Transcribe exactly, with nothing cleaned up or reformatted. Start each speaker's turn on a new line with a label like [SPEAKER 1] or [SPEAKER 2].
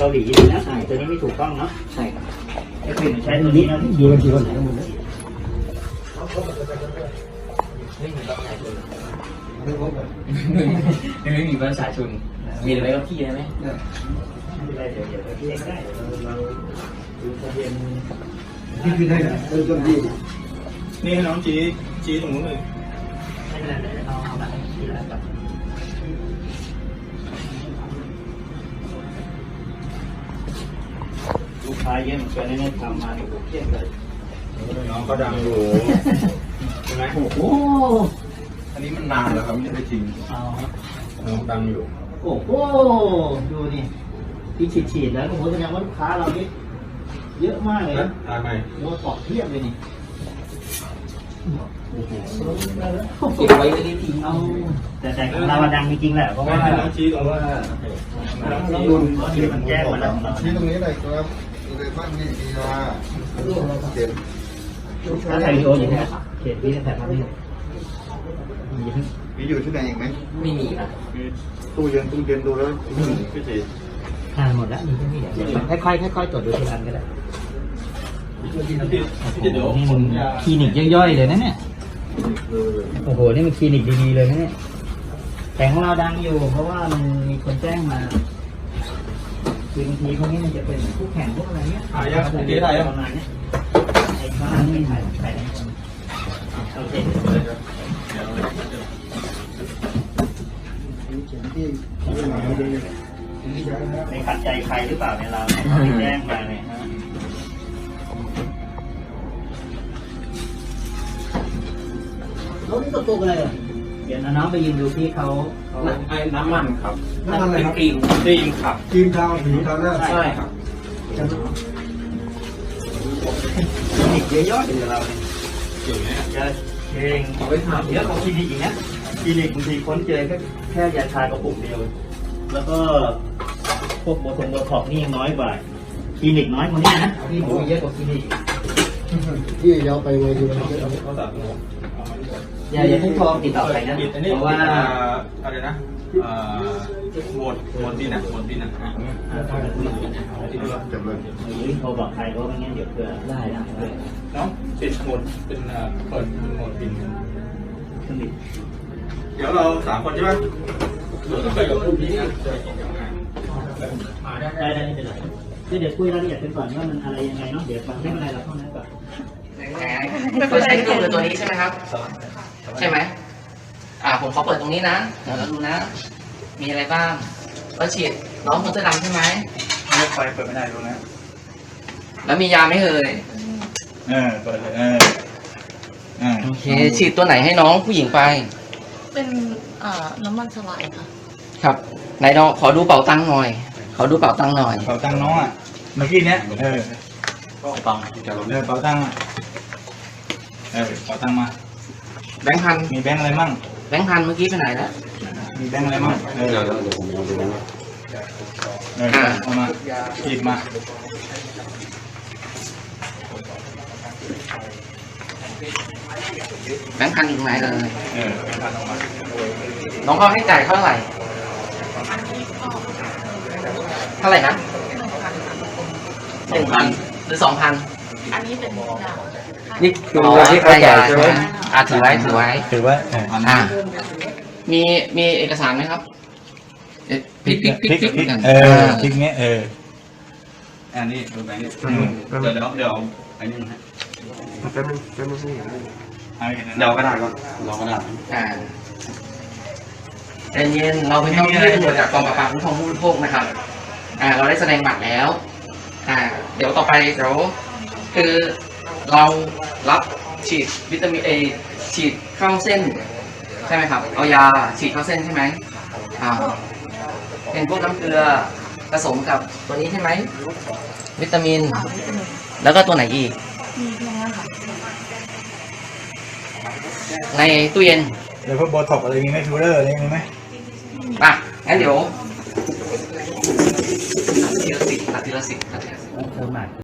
[SPEAKER 1] าหลีเลยนะตัวนี้ไม่ถูกต้องเนาะใช่ครับไอ้คือใช้ตัวนี้นะดูกันทีวันไหนกันหมดเลยไม่มีรับไหนเลยไม่มีภาษาชนมีอะไรก็พี่ได้ไหมไม่เป็นไรเดี๋ยวเดี๋ยวพี่ก็ได้เราดูทะเบียนพี่พี่ได้นะเริ่มต้นที่นี่ให้น้องชี้ชี้ตรงนู้นเลยไม่เป็นไรเอาเอาแบบที่แล้วกับลูกค้าเยอะเหมือนกันนี่ทำมาถูกเทียบเลยน้องก็ดังอยู่ใช่ไหมโอ้โห
[SPEAKER 2] อันนี้มันนานแล้วครับไม่ได้จริงน้องดังอยู่
[SPEAKER 1] โอ้โหดูนี่ที่ฉีดๆแล้วโอ้โหแสดงว่าลูกค้าเรานี่เยอะมากเลยนะ
[SPEAKER 2] ตายไหม
[SPEAKER 1] โดนปอกเทียบเลยนี่
[SPEAKER 3] เก็บไว้ไม่ได้ทิ้งเอา
[SPEAKER 1] แต่แต่ของเราดังจริงๆแหละเพราะว่า
[SPEAKER 2] น้องชี้ตรงว่า
[SPEAKER 1] น้องดุนที่มันแจ้งมาแล้ว
[SPEAKER 4] ชี้ตรงนี้เลยครับอยู่ในบ้านนี่มีว่าเด็ด
[SPEAKER 1] ถ้าถ่ายวิดีโออยู่เนี่ยเขตพี่จะถ่ายภาพให้
[SPEAKER 4] มีอยู่ที่ไหนอีกไหม
[SPEAKER 3] ไม่มีครับ
[SPEAKER 4] ตู้เย็นตู้เย็นดูแล้วพี่จี
[SPEAKER 1] ถ่ายหมดแล้วมีแค่นี้เดี๋ยวค่อยๆค่อยๆตรวจดูทีละอันก็ได้นี่มันคลินิกย่อยๆเลยนะเนี่ยโอ้โหนี่มันคลินิกดีๆเลยนะเนี่ยแต่ของเราดังอยู่เพราะว่ามันมีคนแจ้งมาคือบางทีพวกนี้มันจะเป็นคู่แข่งพวกอะไรเนี้ย
[SPEAKER 2] ถ่ายยังถ่ายยัง
[SPEAKER 1] ประมาณนี้ไอ้ข้านี่ถ่ายถ่ายได้โอเคไม่ขัดใจใครหรือเปล่าเนี่ยเราแจ้งมาเนี่ยฮะเขานี่ตกตัวอะไรอ่ะเดี๋ยวน้องไปยืนดูที่เขา
[SPEAKER 2] ไอ้น้ำมันครับ
[SPEAKER 4] น้ำมันอะไรครับ
[SPEAKER 2] ครีมครีมครับ
[SPEAKER 4] ครีมทาผิวทาหน้า
[SPEAKER 2] ใช่ครับ
[SPEAKER 1] คลินิกเยอะๆอยู่เราเนี่ยอยู่เนี่ยจะเองเอาไปทำเยอะกว่าคลินิกอีกนะคลินิกบางทีค้นเจอแค่แค่ยาชากระปุกเดียวแล้วก็พวกโบทงโบท็อกนี่ยังน้อยกว่าคลินิกน้อยกว่านี้นะที่หมูเยอะกว่าคลินิก
[SPEAKER 4] ที่ยาวไปเลยดูมันเยอะ
[SPEAKER 1] อย่าอย่าให้ทองติดต่อใครนะเพราะว่า
[SPEAKER 2] อะไรนะหมดหมดปีน่ะหมดปีน่ะ
[SPEAKER 4] จำเลย
[SPEAKER 1] โทรบอกใครเพราะไม่งั้นเดี๋ยวเกิดได้ได้
[SPEAKER 2] น้องติดหมดเป็นเปิดหมดปีเดี๋ยวเราสามคนใช่ไหมไปกับผู้นี้
[SPEAKER 1] ได้ได้ไม่เป็นไรคือเดี๋ยวคุยรายละเอียดกันก่อนว่ามันอะไรยังไงเนาะเดี๋ยวฟังไม่เป็นไรเราเท่านั้นก่อน
[SPEAKER 3] ตัวใช้เครื่องมือตัวนี้ใช่ไหมครับใช่ไหมอ่าผมขอเปิดตรงนี้นะเดี๋ยวเราดูนะมีอะไรบ้างเราฉีดน้องคนเสื้อดำใช่ไหม
[SPEAKER 2] ไม่ไฟเปิดไม่ได้ดูนะ
[SPEAKER 3] แล้วมียาไหมเอ่ย
[SPEAKER 2] เออเปิดเลยเออ
[SPEAKER 3] โอเคฉีดตัวไหนให้น้องผู้หญิงไป
[SPEAKER 5] เป็นน้ำมันสลายค่ะ
[SPEAKER 3] ครับไหนน้องขอดูเป๋าตังค์หน่อยขอดูเป๋าตังค์หน่อย
[SPEAKER 2] เป๋าตังค์น้องอ่ะเมื่อกี้เนี้ยเออเป๋าตังค์เออเป๋าตังค์อ่ะเออเป๋าตังค์มา
[SPEAKER 3] แบงค์พัน
[SPEAKER 2] มีแบงค์อะไรมั่ง
[SPEAKER 3] แบงค์พันเมื่อกี้ไปไหนแล้ว
[SPEAKER 2] มีแบงค์อะไรมั่งเออเดี๋ยวเดี๋ยวผมเอาไปแบงค์เออเอามาหยิบมา
[SPEAKER 3] แบงค์พันอยู่ตรงไหนเลย
[SPEAKER 2] เออแบงค์พันออกมา
[SPEAKER 3] น้องเขาให้จ่ายเท่าไหร่เท่าไหร่นะหนึ่งพันหรือสองพัน
[SPEAKER 5] อันนี้เป็นยา
[SPEAKER 3] นี่คือที่เขาจ่ายใช่ไหมอ่าถือไว้ถือไว้
[SPEAKER 2] ถือไว้
[SPEAKER 3] อ่ามีมีเอกสารไหมครับพลิกพลิกพลิกพลิก
[SPEAKER 2] เออพลิกเงี้ยเอออันนี้ดูแบงค์เดี๋ยวเดี๋ยวเดี๋ยวอันนี้ฮะ
[SPEAKER 4] แป๊บนึงแป๊บนึง
[SPEAKER 2] เดี๋ยวก็ได้ก็รอก็ได้
[SPEAKER 3] อ่าใจเย็นเราเป็นเจ้าหน้าที่ตำรวจจากกองปราบปรามคุ้มครองผู้บริโภคนะครับอ่าเราได้แสดงบัตรแล้วอ่าเดี๋ยวต่อไปเดี๋ยวคือเรารับฉีดวิตามินเอฉีดเข้าเส้นใช่ไหมครับเอายาฉีดเข้าเส้นใช่ไหมอ่าเป็นพวกน้ำเกลือผสมกับตัวนี้ใช่ไหมวิตามินแล้วก็ตัวไหนอีกในตู้เย็น
[SPEAKER 2] เดี๋ยวพวกโบท็อกอะไรมีไหมฟิลเลอร์อะไรมีไหม
[SPEAKER 3] อ่ะงั้นเดี๋ยวทีละสิบทีละสิบทีละสิบ